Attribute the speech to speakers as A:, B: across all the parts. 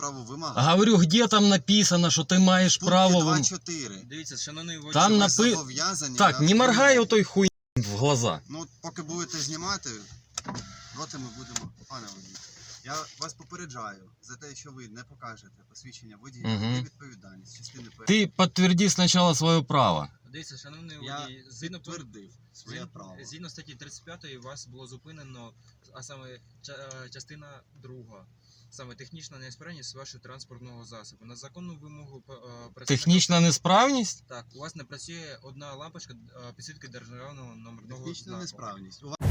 A: право вимагати.
B: Говорю, где там написано, что ты маешь право...
A: Пункт 2.4.
C: Дивіться, шановний водій.
B: Там
A: Ви
B: напи-
A: зобов'язані
B: Так,
A: на
B: не моргай
A: вимогу.
B: той хуй в глаза.
A: Ну, поки будете знімати, доти ми будемо... Пане водій, я вас попереджаю за те, що ви не покажете посвідчення водія,
B: Мгм.
A: є відповідальність. Частини першої.
B: Ты подтверди сначала свое право.
C: Дивіться, шановний
A: Я
C: водій,
A: підтвердив своє право.
C: згідно статті 35 вас було зупинено, а саме частина 2. Саме технічна неісправність вашого транспортного засобу. На законну вимогу представника...
B: Технічна несправність?
C: Так, у вас не працює одна лампочка підсвітки державного номерного
A: Технічна
C: знаку.
A: несправність. У вас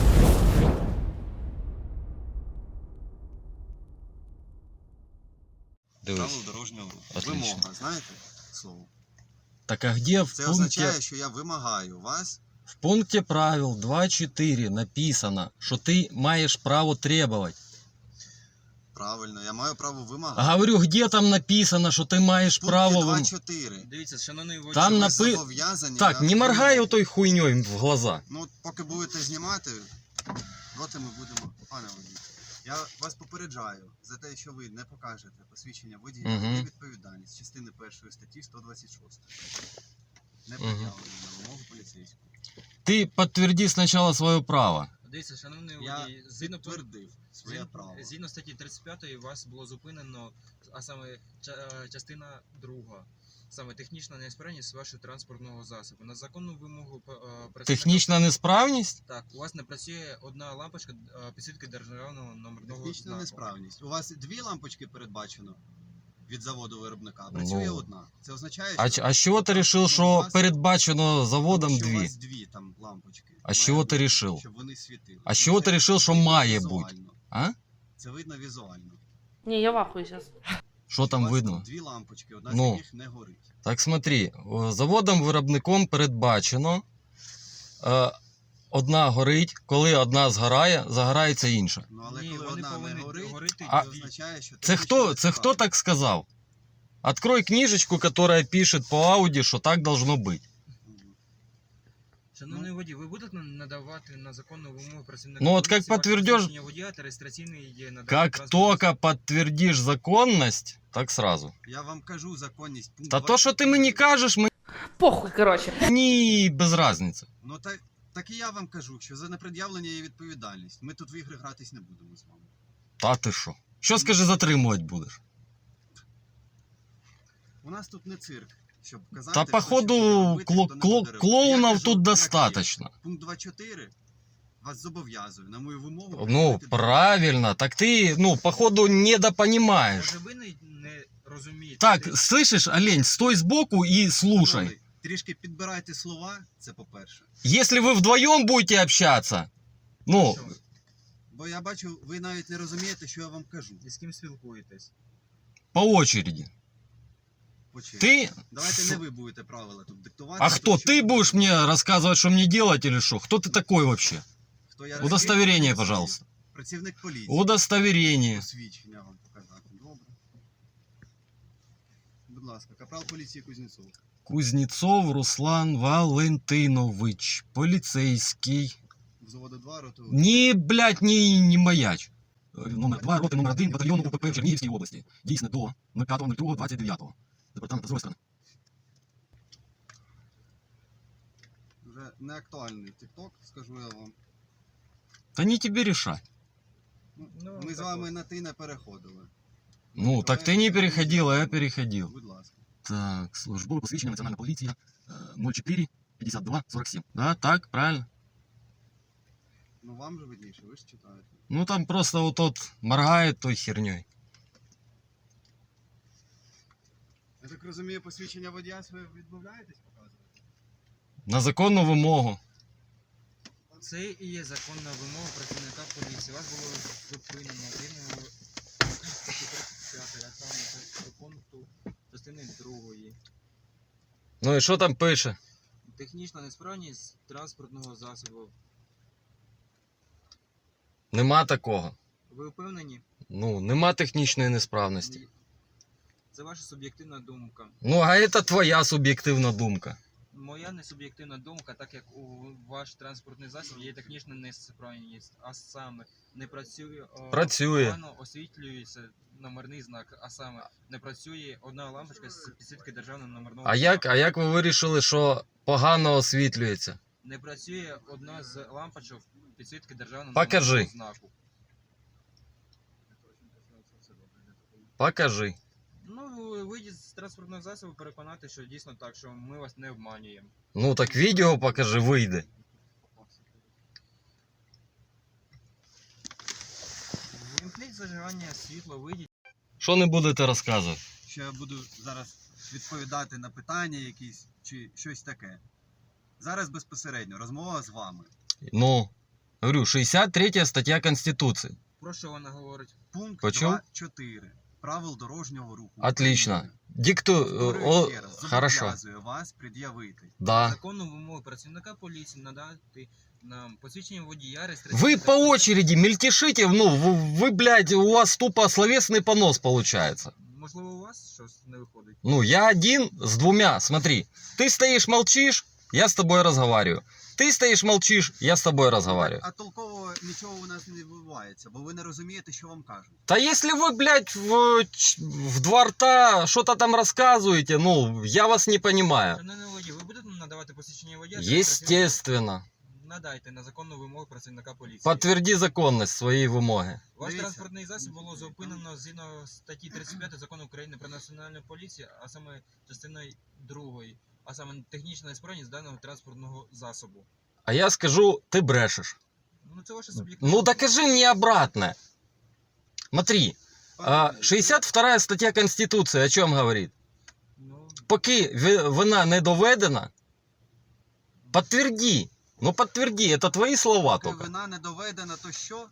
B: Дивись.
A: правил дорожнього руху.
B: Отлично.
A: Вимога, знаєте слово?
B: Так а где в
A: Це
B: пункте...
A: означає, що я вимагаю вас.
B: В пункте правил 2.4 написано, что ты маешь право требовать.
A: Правильно, я маю право вимагати.
B: Говорю, где там написано, что ты маешь
A: Пункт
B: право...
A: 2.4.
C: Дивіться, шановний водій.
B: Там
A: Ви
B: напи-
A: зобов'язані
B: Так,
A: на
B: не моргай
A: вимогу.
B: той хуйней в глаза.
A: Ну, поки будете знімати, доти ми будемо... Пане водій, я вас попереджаю за те, що ви не покажете посвідчення водія,
B: Мгм.
A: є відповідальність. Частини 1 статті 126. Не пред'явлено на вимогу поліцейського.
B: Ты подтверди сначала свое право.
C: Дивіться, шановний
A: Я
C: водій, згідно
A: підтвердив своє право.
C: Згідно статті 35 вас було зупинено, а саме частина 2. Саме технічна неісправність вашого транспортного засобу. На законну вимогу представника...
B: Технічна несправність?
C: Так, у вас не працює одна лампочка підсвітки державного номерного
A: Технічна
C: знаку.
A: несправність. У вас дві лампочки передбачено від заводу виробника, а працює
B: Ну.
A: одна. Це означає,
B: А,
A: що...
B: а с чего ты решил,
A: у
B: что
A: вас-
B: передбачено заводом
A: що у
B: дві?
A: вас дві там лампочки.
B: А з
A: Має
B: чого ти
A: бути,
B: рішив?
A: Щоб вони світили.
B: А з чого
A: Це
B: ти рішив, що
A: видно
B: має
A: візуально.
B: А?
A: Це видно візуально.
D: Не, я в ахуе сейчас.
B: Що
A: У
B: там
A: вас
B: видно?
A: тут дві лампочки, одна
B: Ну.
A: з яких не горить.
B: Так смотри, заводом-виробником передбачено, одна горить, коли одна згорає, загорається інша.
A: Ну, але
C: Ні,
A: коли
C: вони
A: одна не
C: повинні
A: горить,
C: горити
B: А-
A: це означає, що...
B: Це хто так сказав? Открой книжечку, которая пишет по Ауди, что так должно быть.
C: Шановний водій, ви будете надавати на законну вимогу працівника...
B: Ну, от
C: поліції
B: як
C: ваше
B: подтвердешь-
C: посвідчення водія та реєстраційний надання
B: Как
C: транспортного
B: только подтвердишь законность, так сразу.
A: Я вам кажу законність. Пункт
B: Та то, що ти
A: 24.
B: мені кажеш,
D: Похуй, короче.
B: мені без разниці.
A: Ну так і я вам кажу, що за непред'явлення є відповідальність. Ми тут в ігри гратись не будемо з вами.
B: Та ти що? Що, скажи, затримувати будеш?
A: У нас тут не цирк, щоб казати...
B: Та
A: хто
B: походу
A: що буде робити, хто не буде робити. Я
B: клоунов
A: кажу,
B: тут
A: як є.
B: достаточно.
A: Пункт 2.4 вас зобов'язує на мою вимогу...
B: Ну,
A: приділити
B: правильно. Так ты, ну, походу, недопонимаешь.
C: Може ви не розумієте?
B: Так,
C: Ти-
B: слышишь, олень, стой сбоку и слушай.
A: Шановний, трішки підбирайте слова, це по-перше.
B: Если вы вдвоем будете общаться, ну,
C: Що?
A: Бо я бачу, ви навіть не розумієте, що я вам кажу.
C: І з ким спілкуєтесь?
B: по очереди.
A: По черзі.
B: Ты...
A: Давайте не ви будете правила тут диктувати.
B: А кто?
A: що
B: Ты
A: ви
B: будешь
A: робите.
B: мне рассказывать, что мне делать или что? Кто ты такой вообще?
A: Хто я такий?
B: Удостоверение, пожалуйста.
A: Працівник поліції.
B: Удостоверение.
A: Посвідчення вам показати. Добре. Будь ласка, капрал поліції Кузнєцов.
B: Кузнецов Руслан Валентинович. Полицейский.
A: В заводу 2 роту.
B: Не, блядь, не маяч. Номер 2, роти номер 1, батальйону УПП в Чернігівській області. Дійсно до 05.02.29. Департамент Азовська.
A: Вже не актуальний тік-ток, скажу я вам.
B: Та не тебе решать.
C: Ну,
A: Ми з
C: так
A: вами
C: от.
A: на ти не переходили.
B: Ну, так ты не переходил, а я переходил.
A: Будь ласка.
B: Так, службове посвідчення Національна поліція 04 52 47. Да, так, правильно?
A: Ну вам же видніше, ви ж читаєте.
B: Ну, там просто вот тот моргает той херней.
A: Я так розумію, посвідчення водія ви відмовляєтесь показувати?
B: На законну вимогу.
C: Це і є законна вимога працівника поліції. Вас було зупинено вимогою статті 35, а саме до пункту частини 2.
B: Ну і що там пише?
C: Технічна несправність транспортного засобу.
B: Нема такого.
C: Ви впевнені?
B: Ну, нема технічної несправності.
C: Це ваша суб'єктивна думка.
B: Ну, а це твоя суб'єктивна думка.
C: Моя несуб'єктивна думка, так як у ваш транспортний засіб є технічна несправність, а саме не працює,
B: Працює.
C: погано освітлюється номерний знак, а саме не працює одна лампочка з підсвітки державного номерного
B: А як ви вирішили, що погано освітлюється?
C: Не працює одна з лампочок підсвітки державного
B: Покажи.
C: номерного знаку.
B: Покажи.
C: Ну, вийдіть з транспортного засобу, переконати, що дійсно так, що ми вас не обманюємо.
B: Ну так відео покажи, вийде.
C: Вімкніть зажигання світла, вийдіть.
B: Що не будете розказувати?
A: Що я буду зараз відповідати на питання якісь чи щось таке. Зараз безпосередньо розмова з вами.
B: Ну, говорю, 63 стаття Конституції.
C: Про що вона говорить?
A: Пункт
B: Почув?
A: 2.4 правил дорожнього руху.
B: Отлично.
A: України.
B: Дикту...
A: Повторюю ще раз,
B: Хорошо.
A: зобов'язую вас пред'явити.
B: Да.
C: Законну вимогу працівника поліції надати нам посвідчення водія, реєстраційний
B: Вы по очереди мельтешите, ну, вы, блядь, у вас тупо словесный понос получается.
C: Можливо, у вас щось не виходить?
B: Ну, я один с двумя, смотри. Ты стоишь, молчишь, я с тобой разговариваю. Ты стоишь, молчишь, я с тобой разговариваю.
A: А толково нічого у нас не відбувається, бо ви не розумієте, що вам кажуть.
B: Да если вы, блядь, в два рта что-то там рассказываете, ну, я вас не понимаю.
C: Шановний водій, ви будете надавати посвідчення водія?
B: Естественно.
C: Надайте на законну вимогу працівника поліції.
B: Подтверди законность своей вымоги.
C: Ваш
A: Дивіться.
C: транспортний засіб було зупинено згідно статті 35 Закону України про національну поліцію, а саме частиною 2, а саме технічна несправність даного транспортного засобу.
B: А я скажу, ты брешешь.
C: Ну це ваше суб'єктивне.
B: Ну, докажи мне обратно. Смотри, 62 стаття Конституції о чем говорит?
C: Ну,
B: Поки вина не доведена, подтверди. Ну, подтверди, это твои слова
A: Поки
B: только.
A: вина не доведена, то що?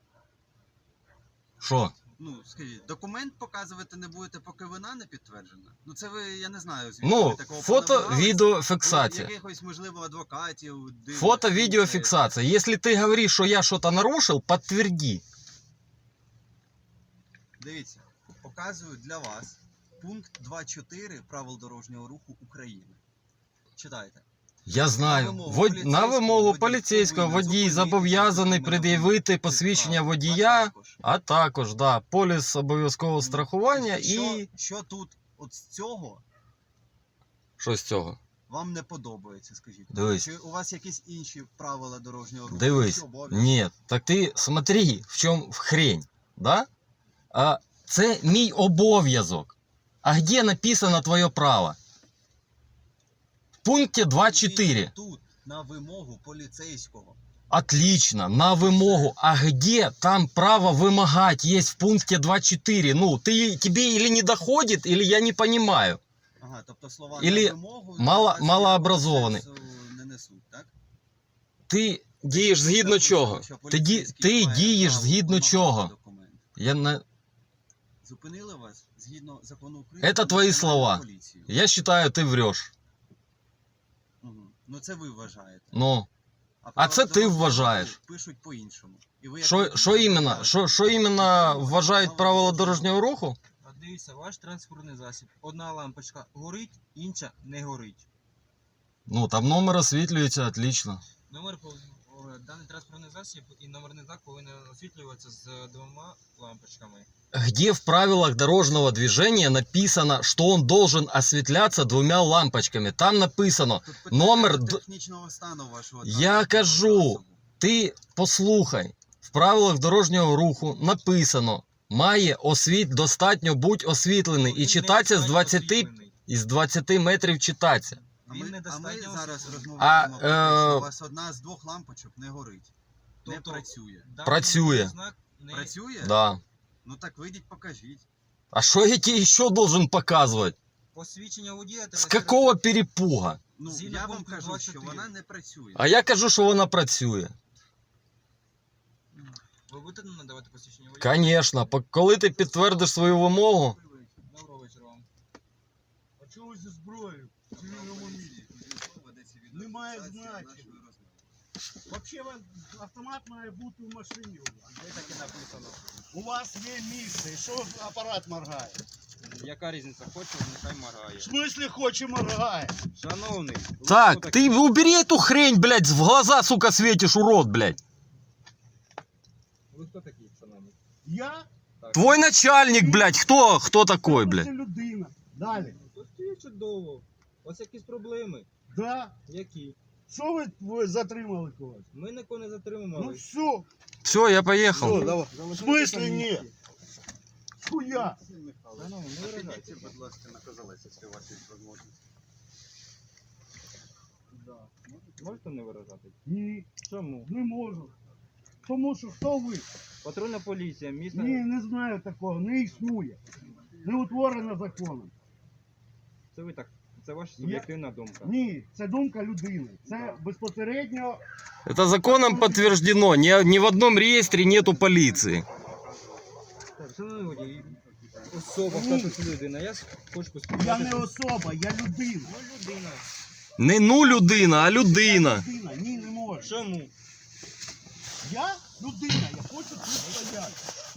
B: Що?
A: Ну, скажіть, документ показувати не будете, поки вина не підтверджена? Ну це ви, я не знаю, звідки
B: Ну,
A: ви такого
B: фото,
A: понабирались.
B: відеофіксація.
A: Якихось, можливо, адвокатів. дивних,
B: Фото,
A: ну,
B: відеофіксація. Если ты говоришь, что я что-то нарушил, подтверди.
A: Дивіться, показую для вас пункт 2.4 правил дорожнього руху України. Читайте.
B: Я знаю. На вимогу поліцейського водій зобов'язаний пред'явити посвідчення водія, а також, да, поліс обов'язкового страхування і...
A: Що тут от з цього
B: Що з цього?
A: вам не подобається, скажіть?
B: Дивись.
A: Чи у вас якісь інші правила дорожнього руху?
B: Дивись.
A: Чи обов'язки?
B: Ні, так ти смотри, в чому хрень, да? А це мій обов'язок. А де написано твоє право? В пункті 2.4.
A: Тут, на вимогу поліцейського.
B: Отлично, на вимогу. А где там право вымогать есть в пункте 2.4? Ну, тебе или не доходит, или я не понимаю.
A: Ага, тобто слова
B: Ілі
A: на вимогу
B: малообразований.
A: не несуть, так?
B: Ти дієш згідно чого? Ти дієш згідно чого? Я на...
A: Зупинили вас згідно закону України.
B: Это
A: про
B: твої
A: національну
B: слова.
A: поліцію.
B: Я считаю, ти врешь.
A: Угу. Ну це ви вважаєте.
B: Ну,
A: А
B: це ти вважаєш.
A: Пишуть по-іншому. І ви як
B: що
A: водій
B: іменно? Що іменно вважають правила дорожнього руху?
C: а дивіться, ваш транспортний засіб. Одна лампочка горить, інша не горить.
B: Ну, там номер освітлюється, отлично.
C: Даний транспортний засіб і номерний знак повинен освітлюватися з 2 лампочками.
B: Где в правилах дорожного движения написано, что он должен осветляться 2 лампочками? Там написано,
A: Тут питання
B: номер
A: до
B: д-
A: технічного стану вашого
B: Я
A: транспортного
B: кажу.
A: засобу.
B: ти послухай, в правилах дорожнього руху написано, має достатньо бути освітлений і
C: Він
B: читатися з
C: недостатньо
B: 20,
C: освітлений.
B: із 20 метрів читатися.
A: А
C: Він
A: ми
C: недостатньо
A: зараз
C: освітлений.
A: розмовляємо про те,
B: А,
A: що у вас одна з 2 лампочок не горить. Не
C: Тобто,
A: працює.
C: даний
B: Працює.
C: номерний знак не...
A: Працює?
B: Да.
A: Ну так вийдіть, покажіть.
B: А що я тебе ще должен показувати?
C: Посвідчення водія та
B: З якого перепуга?
A: Ну,
C: Згідно
A: я вам
C: пункту
A: кажу,
C: 24.
A: що вона не працює.
B: А я кажу, що вона працює.
C: Ви будете надавати посвідчення водія?
B: Конечно, коли ти підтвердиш свою вимогу,
C: Доброго вечора вам.
E: А чого ви зі зброєю? В цивільному місці? Немає значення. Взагалі автомат має бути в машині у вас.
C: Де таке написано?
E: У вас є місце. І що апарат моргає?
C: Яка різниця? Хоче, нехай моргає.
E: В смислі хоче моргає?
C: Шановний. ви
B: Так,
C: хто такий?
B: ты убери эту хрень, блядь, в глаза, сука, светишь, урод, блядь.
C: Ви хто такий, шановний?
E: Я?
C: Так.
B: Твой начальник, блядь, кто такой, блядь?
E: Це людина. Далі.
C: Тут є чудово. У вас якісь проблеми?
E: Да.
C: Які?
E: Що ви затримали когось?
C: Ми нікого не
E: Ну
C: затримували.
E: все.
B: Все, я поехал.
E: Все, давай. В смислі ні? Хуя?
C: Шановний, не виражайте.
A: Підійдіть, будь ласка, на козелець, якщо у вас є можливість.
C: Можете не виражати?
E: Ні,
C: Чому?
E: не можу. Тому що хто ви?
C: Патрульна поліція, місто...
E: Ні, не знаю такого, не існує. Не утворено законом.
C: Це ви так. Це ваша суб'єктивна думка.
E: Ні, це думка людини. Це безпосередньо.
B: Это законом подтверждено. Ни в одном реестре нету полиции.
C: Так, шановний водій, особа, статус людина. Я хочу поспілкуватися.
E: Я не особа, я людина.
C: Ну, людина.
B: Не ну людина, а людина.
E: Людина, ні, не можу.
C: Чому?
E: Я людина, я хочу тут стояти.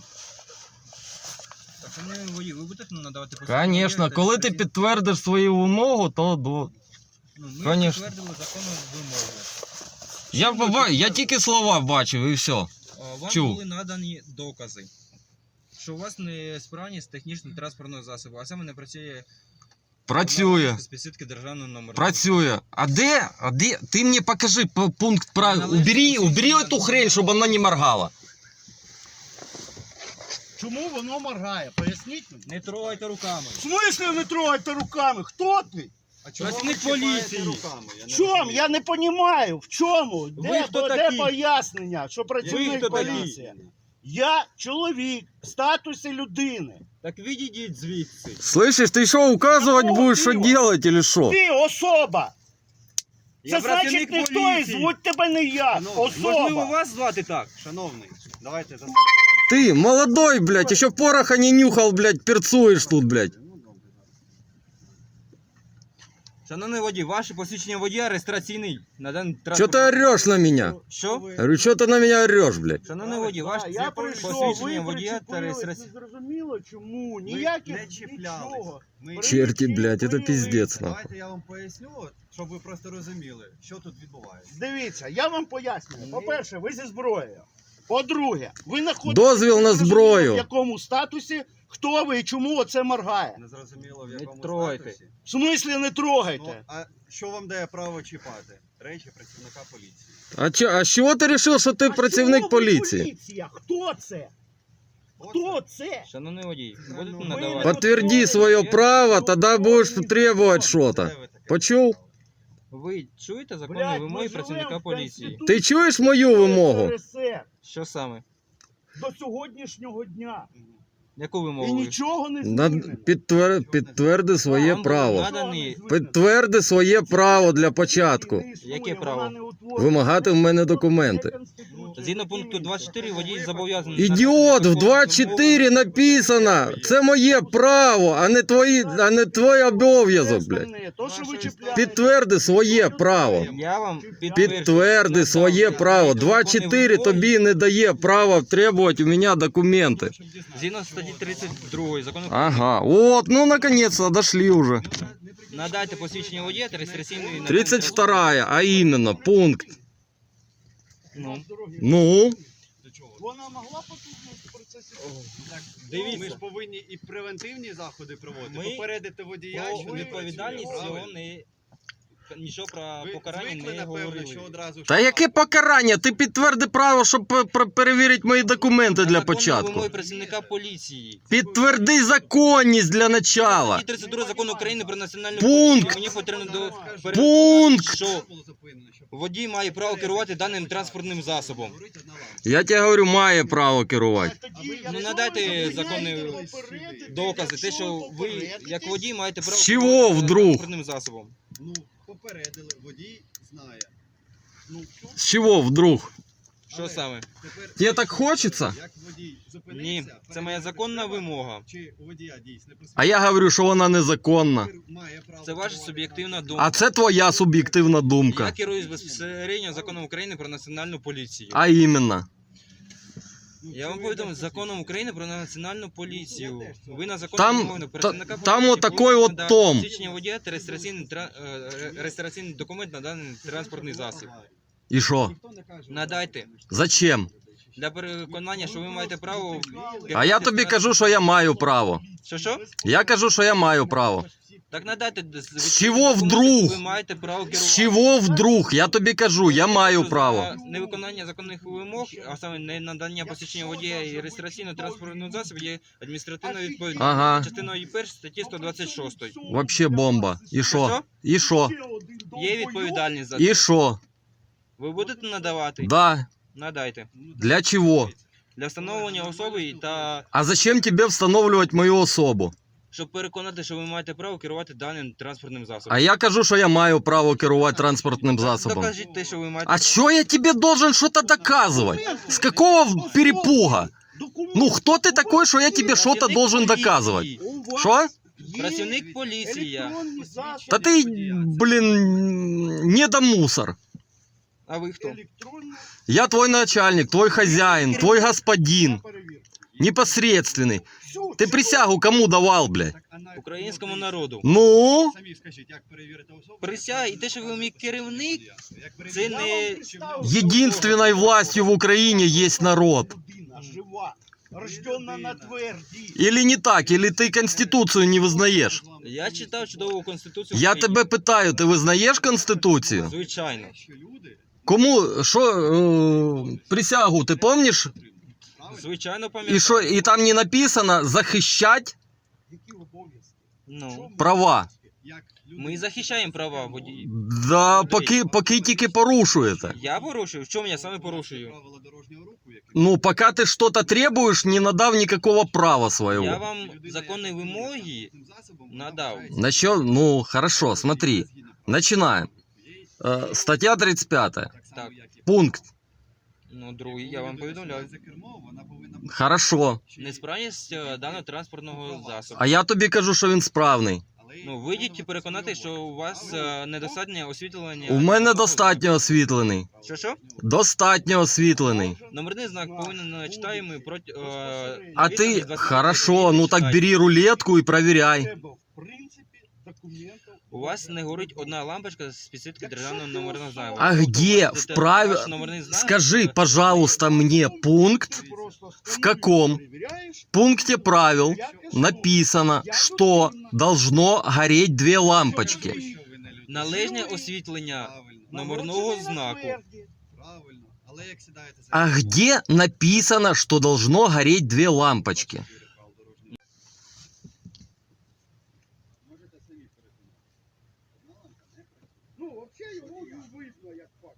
C: Так, шановний водій, ви будете надавати
B: Конечно, коли ти підтвердиш свою вимогу, то до...
C: Ну, ми
B: Конечно.
C: підтвердили законну вимогу.
B: Я тільки слова бачив і все.
C: Вам
B: Чув.
C: були надані докази, що у вас несправність технічного транспортного засобу, а саме не працює
B: Працює.
C: специфіки державного номеру.
B: Працює. А де? Ти мені покажи пункт правил. Убери эту хрень, щоб вона не моргала.
E: Чому воно моргає? Поясніть мені.
C: Не трогайте руками.
E: В смислі не трогайте руками? Хто ти?
A: А чому
C: Працівник
A: ви чіпаєте
C: поліції.
A: руками?
E: В чому? Я не розумію. В чому?
C: хто
E: Де
C: такий?
E: пояснення, що
C: Ви
E: працівник
C: хто такий?
E: поліції? Я чоловік в статусі людини.
C: Так відійдіть звідси.
B: Слышиш, ти що, указувати будеш, що делать, или що?
E: Ти особа.
C: Я
E: Це значить
C: працівник
E: ніхто і
C: поліції.
E: звуть тебе не я.
C: Можливо,
E: Особа.
C: вас звати так?
A: Шановний, давайте заспокоїмо.
B: Ты, молодой, блядь, еще пороха не нюхал, блядь, перцуешь тут, блядь.
A: Ну, добре.
C: Шановний водій, ваше посвідчення водія реєстраційний на даний
B: Что
C: транспорт.
B: ты орешь на меня?
C: Що?
B: Я говорю, что ты на меня орешь, блядь?
C: Шановний водій, ваше
E: Я прийшов,
C: посвідчення
E: ви
C: водія та
E: причепились,
C: реєстраційний.
E: не зрозуміло чому,
A: Ми
E: ніяких
A: не чіплялись.
E: нічого.
A: Ми...
B: Черти, блядь, это пиздец, нахуй.
A: Давайте я вам поясню, щоб ви просто розуміли, що тут відбувається.
E: Дивіться, я вам пояснюю. По-перше, ви зі зброєю. По-друге, ви знаходитесь
B: Дозвіл на зброю.
E: в якому статусі, хто ви і чому оце моргає.
A: Не зрозуміло, в
C: Не
A: якому
C: трогайте.
A: статусі.
E: В смислі не
A: Ну,
E: трогайте.
A: а що вам дає право чіпати? Речі працівника поліції.
B: А с чего ты решил, что ты
E: А
B: противник
E: чого ви
B: полиции?
E: поліція? Хто це? Хто це?
C: Шановний водій, будете
A: Ви
C: надавати.
B: Подтверди свое право, тогда будешь требовать что-то.
A: Де ви таке
B: Почув?
C: Ви чуєте законні
E: Блядь,
C: вимоги
E: ми живемо
C: працівника
E: в
C: поліції?
E: Конституції
B: Ти чуєш мою вимогу?
E: РСР
C: Що саме?
E: до сьогоднішнього дня.
C: Яку
E: І
C: вимогу? ви?
E: нічого не змінено.
B: Підтверди своє
C: Вам
B: право.
C: наданий-
B: Підтверди своє право для початку.
C: Яке право?
B: Вимагати в мене документи.
C: Згідно пункту 24 водій зобов'язаний...
B: Ідіот, в 2.4 написано. Це моє право, а не твій обов'язок, блядь. Підтверди своє право.
C: Я вам
B: Підтверди своє право. 2.4 тобі не дає права требувати у мене документи.
C: Згідно статті 32 закону
B: Ага, от, ну наконец-то дошли уже.
C: надайте посвідчення водія та реєстраційний...
B: 32, а именно, пункт.
C: Ну,
B: Ну,
E: Вона могла потужність в процесі.
A: Ми ж повинні і превентивні заходи проводити,
C: Ми-
A: попередити водія, що не
C: відповідальність
A: працює,
C: цього
A: правильно?
C: не... Нічого про
A: Ви
C: покарання
A: звикли,
C: не
A: напевно,
C: говорили.
A: що одразу...
B: та яке покарання? Ти підтверди право, щоб перевірити мої документи для
C: Законні
B: початку.
C: вимоги працівника поліції.
B: Підтверди законність для начала.
C: Статті 32 закону України про національну
B: Пункт.
C: поліцію. Мені потрібно до...
B: Пункт.
C: Що
A: Було зупинено, щоб
C: водій має право керувати даним транспортним засобом.
A: говорити одна лампа.
B: Я тебе говорю, має право керувати.
C: Ну, надайте законні докази, те, що ви, як водій, маєте право
B: З чого
C: керувати
B: вдруг?
C: транспортним засобом.
A: Ну, попередили, водій знає. Ну,
B: З чого вдруг?
C: Що
A: але
C: саме?
A: тепер-
B: Тебе так хочеться?
A: Як водій зупинився,
C: Ні, це моя законна
A: треба,
C: вимога.
A: Чи у водія дійсне
B: А я говорю, що вона незаконна.
A: має право
C: Це ваша
A: керувати
C: суб'єктивна
A: транспортним
C: думка.
B: А це твоя суб'єктивна
C: Я
B: думка.
C: керуюсь безпосередньо законом України про національну поліцію.
B: А іменно.
C: Я вам повідомив законом України про національну поліцію. Ви на законну
B: Там-
C: вимогу працівника
B: там
C: поліції
B: отакой
C: повинні
B: от
C: надати
B: том.
C: посвідчення водія та реєстраційний документ на даний транспортний засіб.
B: И шо?
C: Надайте.
B: Зачем?
C: Для переконання, що ви маєте право...
B: А я тобі кажу, що я маю право.
C: Що?
B: Я кажу, що я маю право.
C: Так надайте...
B: З чого вдруг?
C: Ви маєте право керувати.
B: З чого вдруг? Я тобі кажу, я маю
C: Що
B: право.
C: за невиконання законних вимог, а саме не надання посвідчення водія і реєстраційного транспортного засобу є адміністративною відповідальністю.
B: Ага.
C: Частиною 1 статті 126.
B: Вообще бомба. І що? І що?
C: Є відповідальність за це.
B: І що?
C: Ви будете надавати?
B: Да.
C: Надайте.
B: Для чего?
C: Для встановлення особи та
B: А зачем тебе встановлювати мою особу?
C: щоб переконати, що ви маєте право керувати даним транспортним засобом.
B: А я кажу, що я маю право керувати транспортним засобом.
C: Докажіть те, що ви маєте
B: А що я тебе должен что-то доказывать? С какого перепуга? Ну, кто ты такой, что я тебе что-то должен доказывать? Что?
C: Працівник поліції.
B: Да ты, блин, недомусор.
C: А ви хто?
B: Я твой начальник, твой хозяин, твой господин. Непосредственный. Ты присягу кому давал, блядь?
C: Українському народу.
B: Ну?
A: Самі скажіть, як перевірити особу?
C: Присяга і те, що ви мій керівник, це не...
B: Единственной властью в Украине есть народ.
E: Жива, рождена на тверді.
B: Или не так, или ты Конституцию не вызнаешь?
C: Я читав чудову Конституцію
B: Я
C: України.
B: тебе питаю, ти визнаєш Конституцію?
C: Звичайно.
B: Кому, що, присягу, ти помниш?
C: Звичайно
B: І
C: пам'ятаю.
B: що, і там не написано захищати
E: Які обов'язки?
C: Ну,
B: права?
C: ми захищаємо права водіїв.
B: Да, поки тільки порушуєте.
C: Я порушую? В чому я саме порушую?
A: Правила дорожнього руху, які
B: Ну, пока ты что-то требуешь, не надав никакого права
C: Я
B: своего.
C: вам законні вимоги
A: цим засобом
C: надав.
B: Насчет, ну, хорошо, смотри, начинаем. Статья 35,
C: Так.
B: пункт.
C: Ну, другий, я вам повідомляю.
A: за кермо, вона повинна бути.
B: Хорошо.
C: Несправність даного транспортного засобу.
B: А я тобі кажу, що він справний.
C: Ну, вийдіть і переконати, що у вас недостатнє освітлення.
B: У мене достатньо освітлений.
C: Що?
B: Достатньо освітлений.
C: Номерний знак повинен читаємо проти...
B: А ты, хорошо, ну так бери рулетку и проверяй.
E: Треба, в принципі, документів.
C: У вас не горить одна лампочка з підсвітки державного номерного знаку.
B: А где в праве...
C: Ваш номерний знак-
B: Скажи, пожалуйста, мне пункт, в каком пункте правил написано, что должно гореть две лампочки.
C: Належне освітлення номерного знаку.
A: Правильно. Але як сідаєте за
B: А где написано, что должно гореть две лампочки?
A: можете самі переконати. Одна лампа не працює.
E: Ну, взагалі його видно, як факт.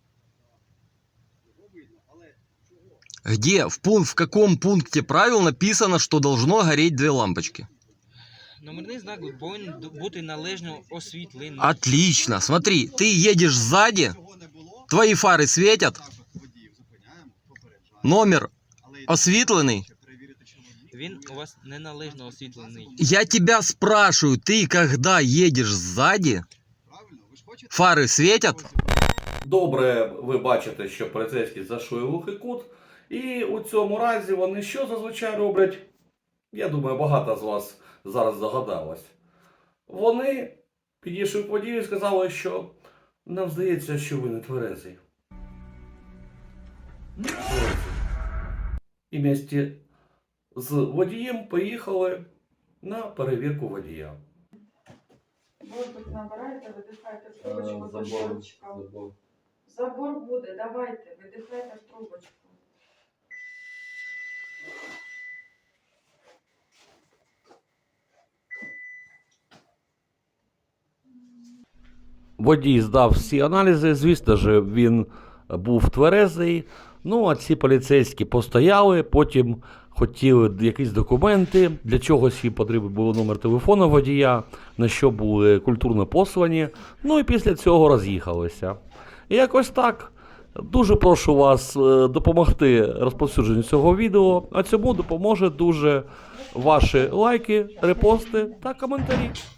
A: Його видно, але чого?
B: Где, в каком пункте правил написано, что должно гореть две лампочки?
C: Номерний знак повинен бути належно освітлений.
B: Отлично, смотри, ты едешь сзади,
A: Цього не було.
B: твои фары светят,
A: Так от водіїв зупиняємо, попереджаємо.
B: номер
A: Але і
B: освітлений.
A: ще перевірити, що водій.
C: Він у вас неналежно освітлений.
B: Я тебя спрашиваю, ты когда едешь сзади,
A: Правильно? Ви ж хочете?
B: фары светят?
F: Добре, ви бачите, що поліцейський зайшли в глухий кут. І у цьому разі вони що зазвичай роблять? Я думаю, багато з вас зараз загадалось. Вони підійшли к водію і сказали, що нам здається, що ви не тверезий. І вместе з водієм поїхали на перевірку водія.
G: Воздух набираєте, видихайте в трубочку до щелчка. Забор буде, давайте, видихайте в трубочку.
F: Водій здав всі аналізи, звісно ж, він був тверезий. Ну, а ці поліцейські постояли, потім хотіли якісь документи, для чогось їм потрібен був номер телефону водія, на що були культурно послані, ну і після цього роз'їхалися. І якось так. Дуже прошу вас допомогти розповсюдженню цього відео, а цьому допоможе дуже ваші лайки, репости та коментарі.